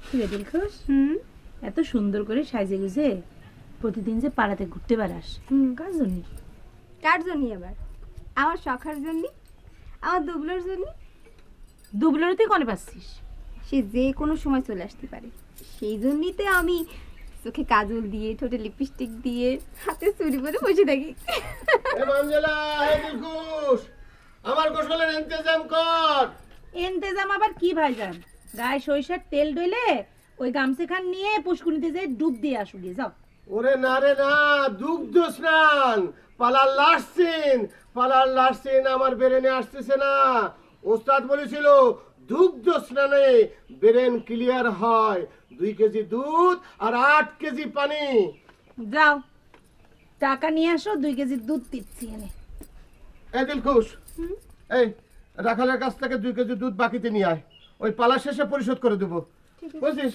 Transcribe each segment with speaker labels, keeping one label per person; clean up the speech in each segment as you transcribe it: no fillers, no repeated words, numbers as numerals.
Speaker 1: কিরে দিলখুশ, এত সুন্দর করে সাজে গুজে প্রতিদিন যে পাড়াতে ঘুরতে বেড়াস, কার জন্য?
Speaker 2: কার জন্য আবার? আমার শখার জন্য, আমার দুবলোর জন্য।
Speaker 1: দুবলোর তুই কনে পাচ্ছিস?
Speaker 2: সে যে কোনো সময় চলে আসতে পারে, সেই জন্যই তো আমি চোখে কাজল দিয়ে, ঠোঁটে লিপস্টিক দিয়ে, হাতে চুড়ি পরে বসে থাকি।
Speaker 3: এ মঞ্জুলা, হে দিলখুশ, আমার গোসলের ইন্তজাম কর।
Speaker 1: এন্তেজাম আবার কি ভাইজান? গায়ে সরিষার তেল ডইলে ওই গামছা খান নিয়ে পুষ্কুনিতে যে ডুব দিয়ে আসু গিয়ে যাও।
Speaker 3: ওরে না রে না, দুগ্ধ স্নান, পালার লাস্ট সিন আমার ব্রেনে আসতেছে না। ওস্তাদ বলেছিল দুগ্ধ স্নানে ব্রেন ক্লিয়ার হয়। 2 কেজি দুধ আর 8 কেজি পানি।
Speaker 1: যাও টাকা নিয়ে আসো, 2 কেজি দুধ দিচ্ছি এনে।
Speaker 3: এ দিলখুশ, এই রাখালের কাছ থেকে 2 কেজি দুধ বাকিতে নিয়ে আয়, ওই পালা শেষে পরিশোধ করে দেবো, বুঝছিস?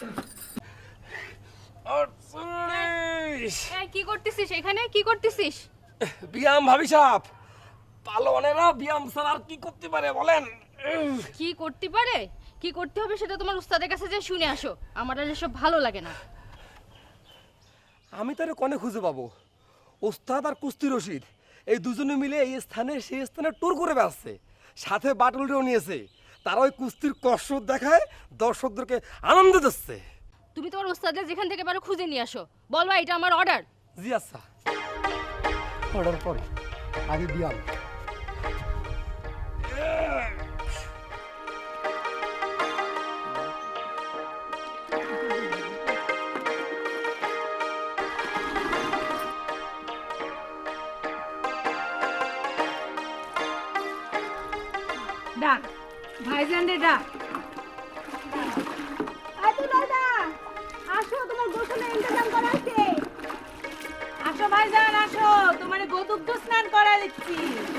Speaker 2: কি করতেছিস এখানে? কি করতেছিস?
Speaker 4: বিয়াম ভাবি সাহেব, পালোয়ানেরা বিয়াম ছাড়া আর কি করতে পারে বলেন?
Speaker 5: কি করতে পারে, কি করতে হবে সেটা তোমার উস্তাদের কাছে যে শুনে আসো। আমার আর এসব ভালো লাগে না।
Speaker 4: আমি তারে কনে খুঁজে পাবো? ওস্তাদ আর কুস্তি রশিদ এই দুজনে মিলে এই স্থানে সেই স্থানে ট্যুর করে বেড়াচ্ছে, সাথে বাটুলটাও নিয়েছে। তারা ওই কুস্তির কসরত দেখায় দর্শকদেরকে আনন্দ দিচ্ছে।
Speaker 5: তুমি তোমার উস্তাদের যেখান থেকে পারো খুঁজে নিয়ে আসো, বলবা এটা আমার অর্ডার।
Speaker 4: জি আচ্ছা।
Speaker 3: অর্ডার পরে আগে বিয়াম।
Speaker 1: ডাক ভাইজান রে ডাক। আসো, তোমার গোসলের ইন্তজাম করা আছে। আসো ভাইজান আসো, তোমার গোদুগ্ধ স্নান করা দিচ্ছি।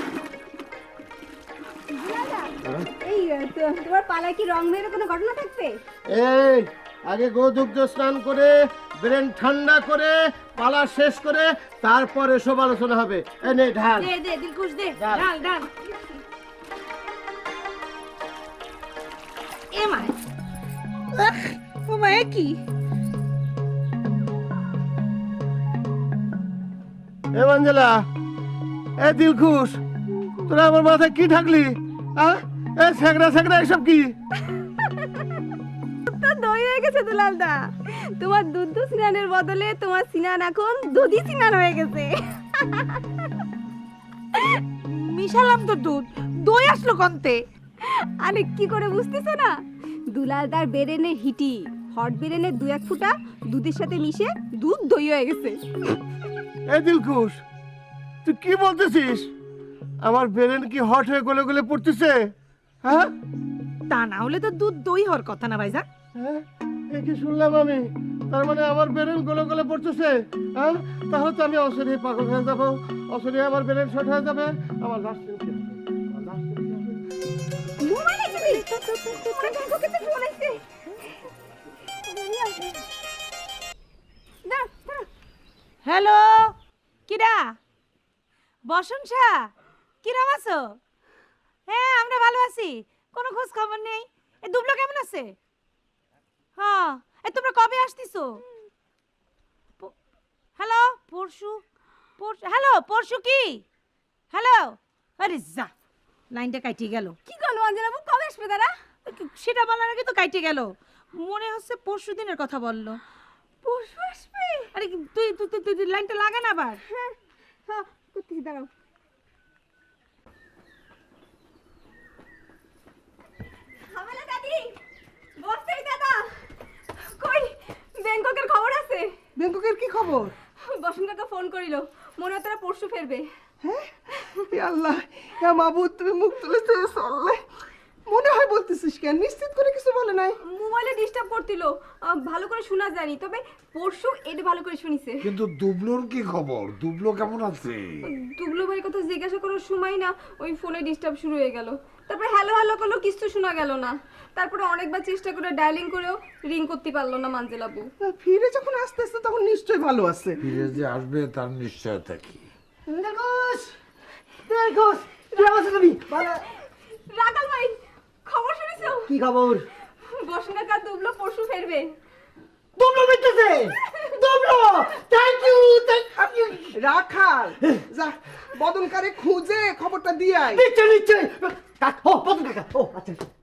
Speaker 2: এই তোমার পালায় কি রং মেয়ের কোনো ঘটনা থাকবে?
Speaker 3: এই আগে গোদুগ্ধ স্নান করে ব্রেন ঠান্ডা করে পালা শেষ করে তারপরে সব আলোচনা হবে। এই নে ঢাল।
Speaker 1: দে দে দিলখুশ দে,
Speaker 3: ডাল।
Speaker 1: ডাল ডাল। এ মা, ও মা, এ কি?
Speaker 3: এ মঞ্জুলা, এ দিলখুশ, তোরা আমার মাথায় কি ঢাকলি? এ সেগড়া এসব কি?
Speaker 2: তো দই হয়ে গেছে দুলালদা। তোমার দুধ স্নানের বদলে তোমার স্নান এখন দুধই স্নান হয়ে গেছে।
Speaker 1: মিশালাম তো দুধ, দই আসলো কন্তে?
Speaker 2: আরে কি করে বুঝতেছো না? দুলালদার বেরেনের হিটি হট বেরেনের 2-1 ফুটা দুধের সাথে মিশে দুধ দই হয়ে গেছে।
Speaker 3: এ দিলখুশ, তুই কি বলতেছিস? আমার ব্রেন কি হট হয়ে গলে গলে পড়তেছে? হ্যাঁ
Speaker 1: তা না হলে তো দুধ দই হওয়ার কথা না ভাইজান।
Speaker 3: হ্যাঁ, এ কি শুনলাম আমি? তার মানে আমার ব্রেন গলে গলে পড়তেছে? হ্যাঁ, তাহলে তো আমি অসরি পাগল হয়ে যাবো, অসরি আমার ব্রেন শর্ট হয়ে যাবে। আমার লাস্ট সিন কি হবে? আমার last scene কি হবে?
Speaker 2: মোবাইলে কি? ওরে দেখো কত ফোন আইছে। না,
Speaker 1: হ্যালো, কিরা? বসন শাহ, কিরাম আছো? হ্যাঁ আমরা ভালো আছি, কোনো খোঁজ খবর নেই। এ দুবলো কেমন আছে? হ্যাঁ, এ তোমরা কবে আসতিছো? হ্যালো, পরশু? হ্যালো, পরশু কি? হ্যালো, আরে যা, লাইনটা কাইটে গেল।
Speaker 2: কি করলো অঞ্জনা বাবু, কবে আসবে তারা?
Speaker 1: সেটা বলার আগে তো কাইটে গেল। মনে হচ্ছে পরশু দিনের কথা বললো।
Speaker 2: পরশু আসবে?
Speaker 1: আরে তুই লাইনটা লাগা না আবার।
Speaker 2: হ্যাঁ হ্যাঁ, করতেছি, দাঁড়াও। হামেলা দাদি, বস্তাই দাদা, কই ব্যাংককের খবর আছে?
Speaker 6: ব্যাংককের কি খবর?
Speaker 2: বসন্ত কাকা ফোন করিল, মনে হয় তারা পরশু ফেরবে।
Speaker 6: হ্যাঁ, হে আল্লাহ, হে মাবুদ, তুমি মুখ তুলে চেয়েছো আল্লাহ। মনে হয় বলতেছিস কেন? নিশ্চিত করে কিছু বলে নাই?
Speaker 2: মোবাইলে ডিস্টার্ব করছিল, ভালো করে শোনা যায়নি, তবে পরশু এটা ভালো করে শুনিছে।
Speaker 7: কিন্তু দুবলোর কি খবর? দুবলো কেমন আছে?
Speaker 2: দুবলো ভাইয়ের কথা জিজ্ঞাসা করার সময় না ওই ফোনে ডিস্টার্ব শুরু হয়ে গেল। তারপরে হ্যালো হ্যালো করলো, কিছু শোনা গেল না। তারপরে অনেকবার চেষ্টা করে ডায়ালিং করেও রিং করতে পারলো না মানজেলাবু।
Speaker 6: ফিরে যখন আসতে আসতে তখন নিশ্চয়ই ভালো আছে।
Speaker 7: ফিরে যে আসবে তার নিশ্চয়তা কি?
Speaker 6: দেখোস, দেখোস, কেমন আছো তুমি?
Speaker 2: রাখাল ভাই, খবর শুনেছো?
Speaker 6: কি খবর?
Speaker 2: বসুন কাকা, দুবলো পরশু ফেরবে।
Speaker 6: দুবলো বেঁচেছে, দুবলো, thank you, thank you. Rakhal, যা বদনকারে খুঁজে খবরটা দিয়ে আয়।
Speaker 8: নিশ্চয় নিশ্চয়। ও বদন কাকা, ও আচ্ছা